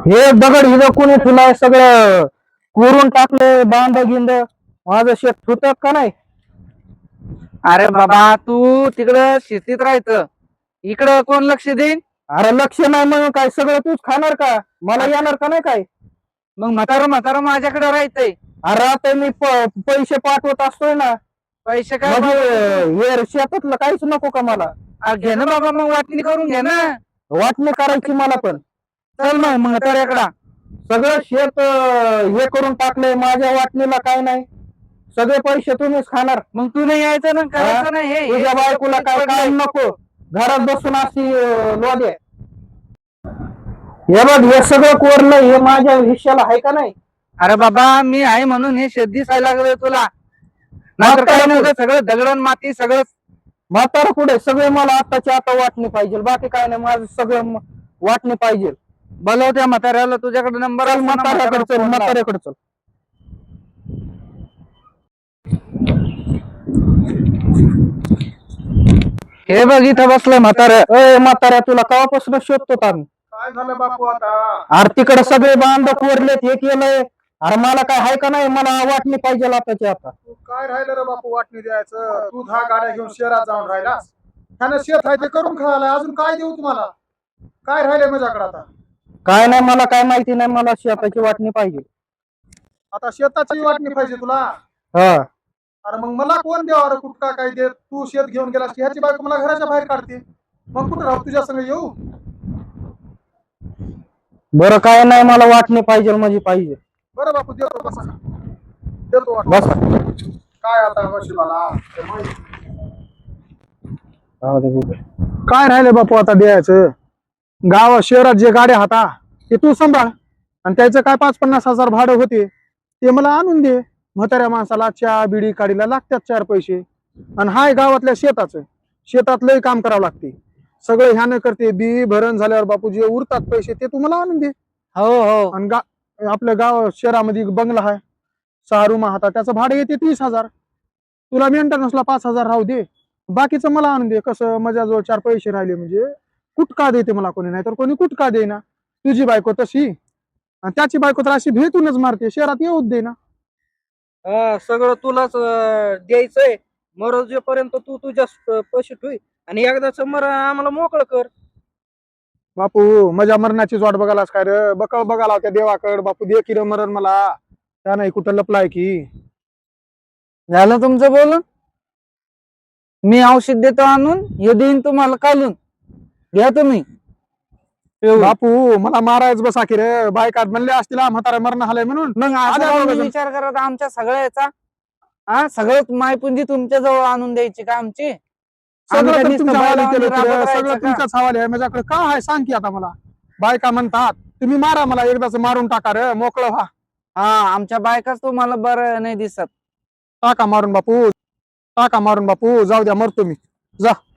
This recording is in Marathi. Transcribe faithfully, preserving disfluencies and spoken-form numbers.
हे दगड हिज कोणी तुला सगळं कोरून टाकले बांध गिंद माझं शेत ठुत का नाही? अरे बाबा तू तिकडं शेतीत राहायचं, इकडं कोण लक्ष देईन? अरे लक्ष नाही म्हणून काय सगळं तूच खाणार का? मला येणार का नाही काय? मग म्हातारं म्हातारं माझ्याकडे राहायचंय. अरे आता मी प- पैसे पाठवत असतोय ना, पैसे काय म्हणजे हे शेतातलं काहीच नको का मला? बाबा? घे ना बाबा, मग वाटणी करून घे ना. वाटणी करायची मला पण. चल मग म्हाताऱ्याकडा. सगळं शेत अं, हे करून टाकलंय, माझ्या वाटणीला काय नाही, सगळे पैसे तुम्हीच खाणार. मग तू नाही यायचं ना, करायचं ना हे तुझ्या बायकोला काय काम नको, घरात बसून अशी लोदे. हे बघ हे सगळं कोरलंय, हे माझ्या हिश्श्याला आहे का नाही? अरे बाबा मी आहे म्हणून हे शेत दिसायला लागलं तुला, नाहीतर काय नव्हतं. सगळं दगडण माती सगळं. म्हातारा पुढे सगळे मला आताच्या आता वाटणी पाहिजे, बाकी काय नाही, माझं सगळं म- वाटणी पाहिजे. बोलव त्या म्हाताऱ्याला, तुझ्याकडे नंबर चल म्हाताऱ्याकडे चल, म्हाताऱ्याकडे चल. हे बघ इथं बसलं म्हातारं. ए म्हाताऱ्या, तुला केव्हापासून शोधतो आम्ही. काय झालं बापू आता? अरे तिकडे सगळे बांध कोरलेत, हे केलंय. अरे मला काय आहे का नाही, मला वाटणी पाहिजे आताची आता. तू काय राहिलं रे बापू वाटणी द्यायचं? तू दहा गाड्या घेऊन शहरात जाऊन राहिलास, त्यानं शेत आहे ते करून खायला, अजून काय देऊ तुम्हाला? काय राहिले माझ्याकडे आता? काय नाही, मला काय माहिती नाही, मला शेताची वाटणी पाहिजे. आता शेताची वाटणी पाहिजे तुला? हा अरे मग मला कोण द्यावा रे? कुठका काय देत? तू शेत घेऊन गेलास की ह्याची बायको मला घराच्या बाहेर काढते, मग कुठं राहू तुझ्या संग येऊ? बरं काय नाही, मला वाटणी पाहिजे म्हणजे पाहिजे. बरं बापू देतो, बसा देतो वाटणी. बस काय आता बशी मला काय राहिले बापू आता द्यायचं? गावात शहरात जे गाड्या हाता ते तू सांभाळ, आणि त्याचं काय पाच पन्नास हजार भाडं होते ते मला आणून दे. म्हाताऱ्या माणसाला चहा बिडी काढीला लागतात चार पैसे, आणि हाय गावातल्या शेताचं, शेतात लय काम करावं लागते, सगळं ह्यानं करते. बी भरण झाल्यावर बापू जे उरतात पैसे ते तुम्हाला आणून दे. हो हो. आणि गा आपल्या गाव शहरामध्ये बंगला आहे, सहा रूम हाता, त्याचं भाडं येते तीस हजार. तुला मेंटेनन्सला पाच हजार राहू दे, बाकीचं मला आणून दे. कसं माझ्याजवळ चार पैसे राहिले म्हणजे कुटका देते मला कोणी, नाही तर कोणी कुटका देईना. तुझी बायको तशी, आणि त्याची बायको तर अशी भेटूनच मारते, शहरात येऊच दे ना. हा, सगळं तुलाच अं, द्यायचंय. मरोजेपर्यंत तू तुझ्या पैसे ठेवी, आणि एकदाच मर आम्हाला मोकळं कर. बापू माझ्या मरणाचीच वाट बघालास काय रे? बकळ बघाला होत्या देवाकड, बापू दे की रे मरण मला, त्या नाही कुठं लपलाय की. झालं तुमचं बोलून? मी औषध देतो आणून, हे देईन तुम्हाला काढून, घ्या तुम्ही. बापू मला मारायच बसा की रे, बायका म्हणले असतील म्हातारा मरण आलंय म्हणून. मग आल्या असं दोघं तुम्ही जण. विचार करत आमच्या सगळ्याचा? हा, सगळं मायपुंजी तुमच्या जवळ आणून द्यायची का आमची? आम्ही सगळं काय तर नुसतं तुमच्या हवाली बैलावानी केलं की राबत रे, राहायचं सगळं का? तुमच्याच हवाली आहे. माझ्याकडे काय आहे सांग की आता मला. बायका म्हणतात तुम्ही मारा मला, एकदाच मारून टाका रे, मोकळं व्हा. हा, आमच्या बायकाच तुम्हाला बरं नाही दिसत. टाका मारून बापू, टाका मारून बापू, जाऊ द्या, मरतो मी, जा.